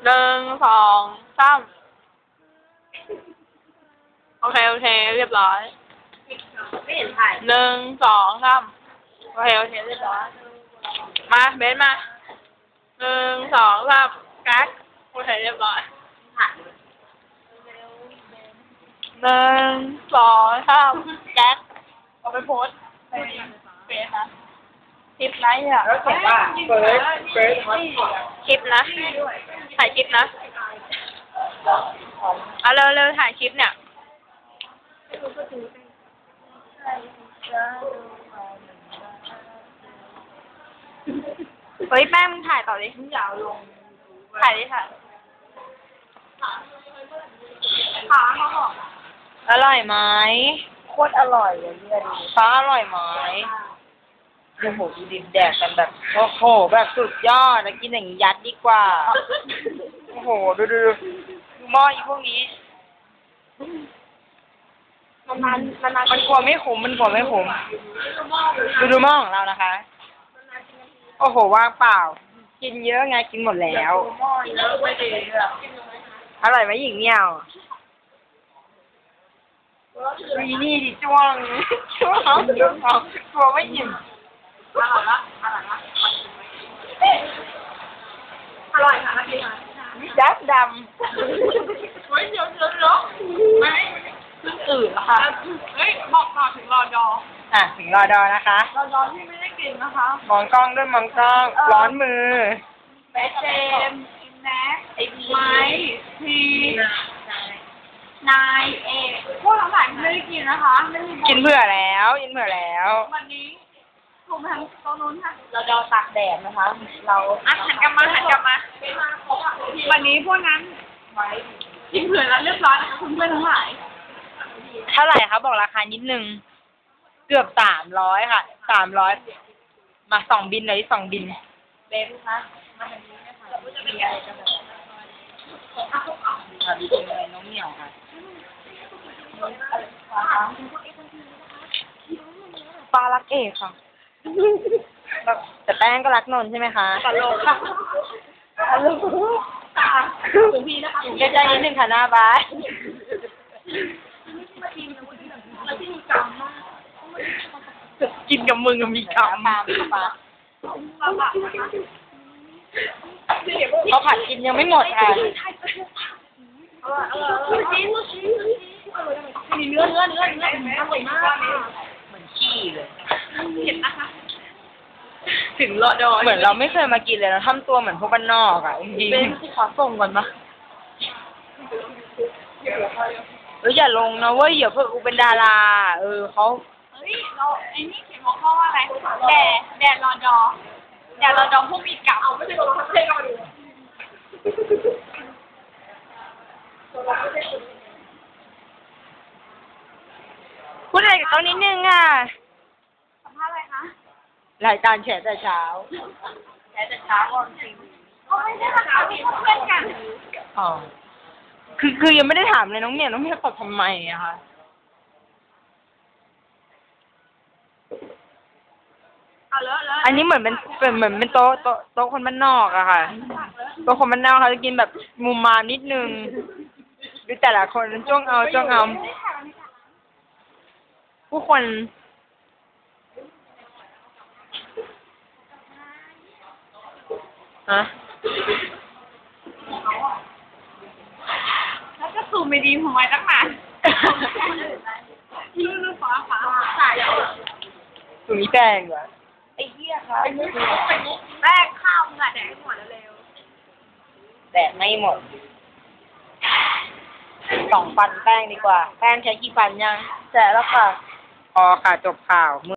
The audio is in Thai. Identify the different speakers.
Speaker 1: 1 2 3โอเคเรียบร้อย
Speaker 2: ไม่เห็นถ่าย
Speaker 1: 1 2 3โอเคเรียบร้อยมาเบนมา1 2 3กักโอเคเรียบร้อย1 2 3แก๊กเอาไปโพสในเฟซนะคลิปไลฟ์อ่ะ
Speaker 2: แล้วเขียนว่าเฟิร์ส
Speaker 1: คลิปนะถ่ายคลิปนะเอาเร็วถ่ายคลิปเนี่ยเฮ้ยแป้งมึงถ่ายต่อดิยาวลงถ่ายดิค่ะเขาบอกอร่อยไหม
Speaker 2: โคตรอร่อยเลยเนี่ยดู
Speaker 1: ฟ้าอร่อยไหม
Speaker 2: โอ้โหดูดิแดกกันแบบโอ้โหแบบสุดยอดนะกินอย่างนี้ยัดดีกว่าโอ้โหดูหม้ออีพวกนี้มันกลัวไม่ขมดูหม้อของเรานะคะโอ้โหว่างเปล่ากินเยอะไงกินหมดแล้วอร่อยไหมหญิงเนี่ยวีนี่ดิจ้วงกลัวไม่อิ่ม
Speaker 1: อร่อยค่ะเมื่อกี้ค่ะ
Speaker 2: ดับด
Speaker 1: เฮ้ยเดี๋ยวไม่อื่นค่ะเฮ้ยบอกต่อถึงรอดอ
Speaker 2: ถึงรอดอนะคะ
Speaker 1: รอดอที่ไม่ได้กินนะคะ
Speaker 2: มองกล้องด้วยมองกล้องร้อนมือ
Speaker 1: เบสเจมแน็กไอไม้พีนายเอพวกทั้งหลายไม่ได้กินนะคะ
Speaker 2: กินเผื่อแล้ว
Speaker 1: วันนี้ถูกทางโต๊ะนู้นค่ะ
Speaker 2: เราดอตากแดดนะคะเรา
Speaker 1: หันกลับมาวันนี้พวกนั้นกินเผื่อแล้วเรียบร้อยนะคะคุณเพื่อนทั้งหลาย
Speaker 2: เท่าไหร่คะบอกราคานิดนึงเกือบ300ค่ะ300มา2 บินเลย2 บิน
Speaker 1: เบนคะมาทางนี้นะคะมีอะไรกันบ้าง
Speaker 2: ดีจังเลยน้องเหมียวค่ะปลารักเอกค่ะแต่แป้งก็รักนนท์ใช่ไหมคะ
Speaker 1: ตลกค่ะถึงพี่นะคะ
Speaker 2: ใจนิดนึงค่ะหน้าบ้านกินกับมึงมีกรรมเขาผัดกินยังไม่หมดค่ะ
Speaker 1: มีเนื้ออร่อยมาก
Speaker 2: เหมือนขี้เลย
Speaker 1: เห็นนะคะถึงรอดอ
Speaker 2: เหมือนเราไม่เคยมากินเลยเราทำตัวเหมือนพวกบ้านนอกอ่ะจริง
Speaker 1: เป็นที่ขอส่งก่อนปะ
Speaker 2: อย่าลงนะเว้ยเดี๋ยวเพื่อกูเป็นดาราเขา
Speaker 1: เฮ้ยเราไอ้นี่เขียนหัวข้อว่าอะไรแดดรอดอพวกมีเก่าไม่ใช่ตัวเท่ก็มาดู
Speaker 2: พูดอะไรกับเขานิดนึงอ่ะ
Speaker 1: สัมภาษณ์อะไรคะ
Speaker 2: รายการแฉแต่เช้า
Speaker 1: ก่อนจริงไม่ได้ค่ะเขาเป็นเพื่อนกัน
Speaker 2: อ๋อคือยังไม่ได้ถามเลยน้องเมียตอบทำไมอะคะอันนี้เหมือนเป็นโต๊ะคนบ้านนอกอะค่ะโต๊ะคนบ้านนอกเขาจะกินแบบมุมมามนิดนึงดูแต่ละคนจ้องเอาผู้คน
Speaker 1: แล้วก็ซูมไม่ดีของไว้ตั้งนานยืดฟ้าสาย
Speaker 2: ถุงนี้แป้งเหรอ
Speaker 1: ไอ้เหี้ยค่ะแป้งข้าวมึงอะแดกหมดเร็ว
Speaker 2: แดกไม่หมด2 ฟันแป้งดีกว่าแป้งใช้กี่ฟันยัง
Speaker 1: แจกแล้วค่ะ
Speaker 2: พอค่ะจบข่าว